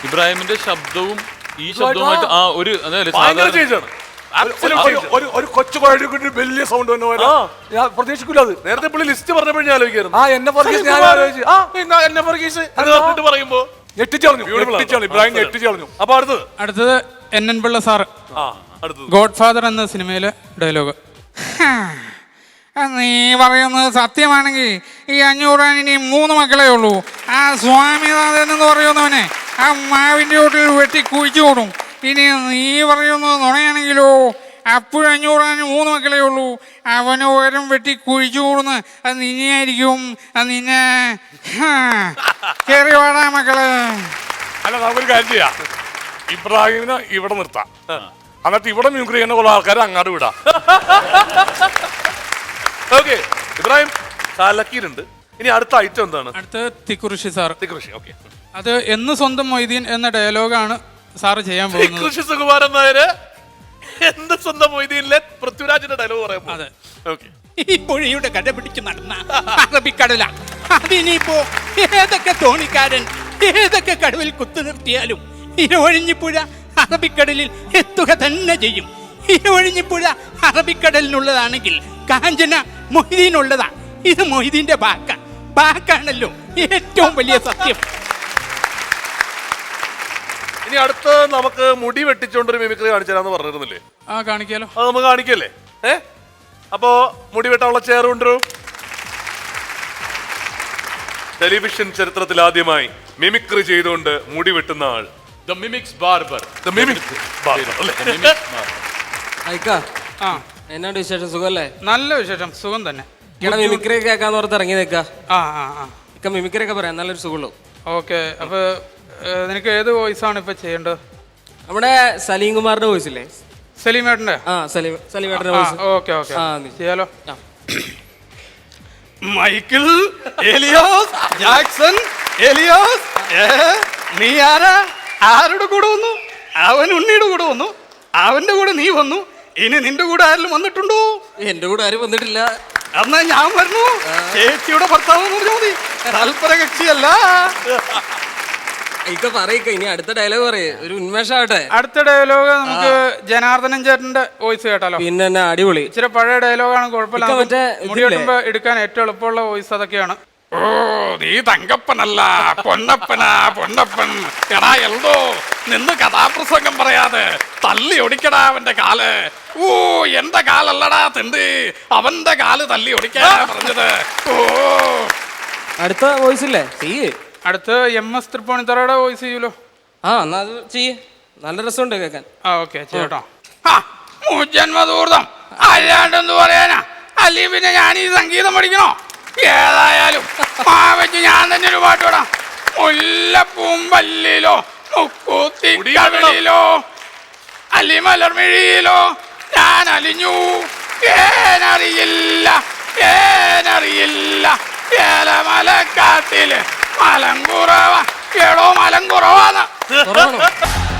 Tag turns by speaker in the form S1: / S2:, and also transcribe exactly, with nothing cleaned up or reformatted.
S1: ഇബ്രാഹിമിന്റെ ശബ്ദവും ഈ ശബ്ദവുമായിട്ട് ആ ഒരു
S2: ഒരു കൊച്ചു കുഴി വലിയ സൗണ്ട് ഞാൻ പ്രതീക്ഷിക്കില്ല. അത് നേരത്തെ പുള്ളി ലിസ്റ്റ് പറഞ്ഞപ്പോഴും ഞാൻ ആലോചിക്കായിരുന്നു. ആ എന്നെ പറയുമ്പോ ഞെട്ടിച്ചളഞ്ഞു ഇബ്രാഹിം, ഞെട്ടിച്ചളഞ്ഞു. അപ്പൊ അടുത്തത്
S3: അടുത്തത് N N Pillai sir, Godfather എന്ന സിനിമയിലെ ഡയലോഗ്. നീ പറയുന്നത് സത്യമാണെങ്കിൽ ഈ അഞ്ഞൂറാൻ ഇനി മൂന്ന് മക്കളേ ഉള്ളൂ. ആ സ്വാമിനാഥൻ എന്ന് പറയുന്നവനെ ആ മാവിൻ്റെ വീട്ടിൽ വെട്ടി കുഴിച്ചു കൊടുക്കും. ഇനി നീ പറയുന്നത് നുണയാണെങ്കിലോ അപ്പോഴും അഞ്ഞൂറാന് മൂന്ന് മക്കളേ ഉള്ളൂ. അവന് ഓരം വെട്ടി കുഴിച്ചു കൂടുന്ന് അത് നിന്നെയായിരിക്കും. അത് നിന്നെ കയറി വാടാ മക്കളെ.
S2: അല്ല നമുക്കൊരു കാര്യം ചെയ്യാം, ഇബ്രാഹിമിനെ ഇവിടെ നിർത്താം, എന്നിട്ട് ഇവിടെ മ്യൂക്രി ചെയ്യുന്ന കുറെ ആൾക്കാരെ അങ്ങോട്ട് വിടാം. ഓക്കെ ഇബ്രാഹിം കലക്കിയിട്ടുണ്ട്. ഇനി അടുത്ത ഐറ്റം എന്താണ്?
S3: അടുത്ത തിക്കുറിശി സാർ.
S2: തിക്കുറിശി ഓക്കെ.
S3: അത് എന്ന് സ്വന്തം മൊയ്തീൻ എന്ന ഡയലോഗാണ് സാറ് ചെയ്യാൻ പോകുന്നത്.
S2: കൃഷി സുകുമാരൻ നായര് എന്ത് സ്വന്തം മൊയ്തീനിലെ പൃഥ്വിരാജിന്റെ ഡയലോഗ് പറയാം.
S3: അതെ
S2: ഓക്കെ.
S4: ഈ പുഴയുടെ കട പിടിച്ച് നടന്ന അറബിക്കടല അതിനിപ്പോ ഏതൊക്കെ തോണിക്കാരൻ ഏതൊക്കെ കടവിൽ കുത്തു നിർത്തിയാലും ഇരവഴിഞ്ഞിപ്പുഴ അറബിക്കടലിൽ എത്തുക തന്നെ ചെയ്യും. ഇരവഴിഞ്ഞിപ്പുഴ അറബിക്കടലിനുള്ളതാണെങ്കിൽ കാഞ്ചന മൊയ്തീനുള്ളതാ. ഇത് മൊയ്തീന്റെ ബാക്ക ബാക്കാണല്ലോ ഏറ്റവും വലിയ സത്യം.
S2: ഇനി അടുത്ത് നമുക്ക് മുടി വെട്ടിച്ചോണ്ടൊരു മിമിക്രി കാണിച്ചു തരാന്ന് പറഞ്ഞിരുന്നില്ലേ?
S3: ആ കാണിക്കാലോ.
S2: അത് നമുക്ക് കാണിക്കല്ലേ? ഏ അപ്പോ മുടി വെട്ടാനുള്ള ചെയർ കൊണ്ടുവരൂ. ടെലിവിഷൻ ചരിത്രത്തിൽ ആദ്യമായി മിമിക്രി ചെയ്തുകൊണ്ട് മുടി വെട്ടുന്ന ആൾ
S1: the mimics barber.
S2: The mimics barber അല്ലേ?
S5: ആ എന്നാണ്ട് വിശേഷം? സുഖല്ലേ?
S3: നല്ല വിശേഷം, സുഖം തന്നെ.
S5: മിമിക്രി കേൾക്കാന്ന് ഓർത്ത് ഇറങ്ങി നിൽക്കാ.
S3: ആ ആ ആ
S5: ഇക്ക മിമിക്രി ഒക്കെ പറയാം, നല്ലൊരു സുഖമുള്ളൂ.
S3: ഓക്കെ. അപ്പൊ നിനക്ക് ഏത് വോയിസ് ആണ് ഇപ്പൊ ചെയ്യേണ്ടത്?
S5: നമ്മുടെ സലീം കുമാറിന്റെ വോയിസ് ഇല്ലേ?
S3: സലീമേട്ടന്റെ?
S5: ആ സലീം സലീമേട്ടന്റെ വോയിസ്.
S3: ഓക്കെ ഓക്കെ ചെയ്യാലോ.
S4: മൈക്കിൾ എലിയോസ് ജാക്സൺ എലിയോസ്, നീ ആരാ? ആരുടെ കൂടെ വന്നു? അവൻ ഉണ്ണിയുടെ കൂടെ വന്നു, അവന്റെ കൂടെ നീ വന്നു. ഇനി നിന്റെ കൂടെ ആരെങ്കിലും വന്നിട്ടുണ്ടോ?
S5: എന്റെ കൂടെ ആരും വന്നിട്ടില്ല.
S4: എന്നാ ഞാൻ വരുന്നു. ചേച്ചിയുടെ ഭർത്താവ് പറഞ്ഞാൽ മതി, തൽപര കക്ഷിയല്ല.
S5: ഇക്ക പറയിക്ക, ഇനി അടുത്ത ഡയലോഗ് പറയേ, ഒരു ഉന്മേഷാവട്ടെ.
S3: അടുത്ത ഡയലോഗ് നമുക്ക് ജനാർദ്ദനൻ ചേട്ടന്റെ വോയിസ് കേട്ടാലോ?
S5: പിന്നെ തന്നെ അടിപൊളി.
S3: ഇച്ചിരി പഴയ ഡയലോഗാണ്, കുഴപ്പമില്ല. മുടി വെട്ടുമ്പോ എടുക്കാൻ ഏറ്റവും എളുപ്പമുള്ള വോയിസ് അതൊക്കെയാണ്.
S4: ഓ നീ തങ്കപ്പനല്ല പൊന്നപ്പനാ പൊന്നപ്പൻ. എടാ എൽദോ, നിന്ന് കഥാപ്രസംഗം പറയാതെ തല്ലി ഒടിക്കടാ അവന്റെ കാല്. ഓ എന്റെ കാലല്ലടാ തിണ്ടി, അവന്റെ കാല് തല്ലി ഒടിക്കാ പറഞ്ഞത്. ഓ
S5: അടുത്ത വോയിസ് ഇല്ലേ? ചെയ്യേ.
S3: അടുത്ത് എം എസ് തൃപ്പൂണിത്തറയുടെ വോയിസ് ചെയ്യൂലോ?
S5: ആ എന്നാ അത് ചെയ്യേ, നല്ല രസമുണ്ട് കേൾക്കാൻ.
S3: ആ ഓക്കെ ചെയ്യട്ടോ.
S4: ജന്മദൂർത്തം അല്ലാണ്ടെന്ന് പറയാനാ, അല്ലെങ്കിൽ പിന്നെ ഞാൻ ഈ സംഗീതം പഠിക്കണോ? ഏതായാലും വെച്ച് ഞാൻ തന്നെ ഒരു പാട്ട് പാടാം. മുല്ലപ്പൂമ്പല്ലിലോ മുക്കൂത്തിക്കടലിലോ അലിമലർമിഴിയിലോ ഞാൻ അലിഞ്ഞു. ഏനറിയില്ല ഏനറിയില്ല ഏലമലക്കാട്ടില് മലങ്കുറവ. എടോ മലങ്കുറവാന്ന്.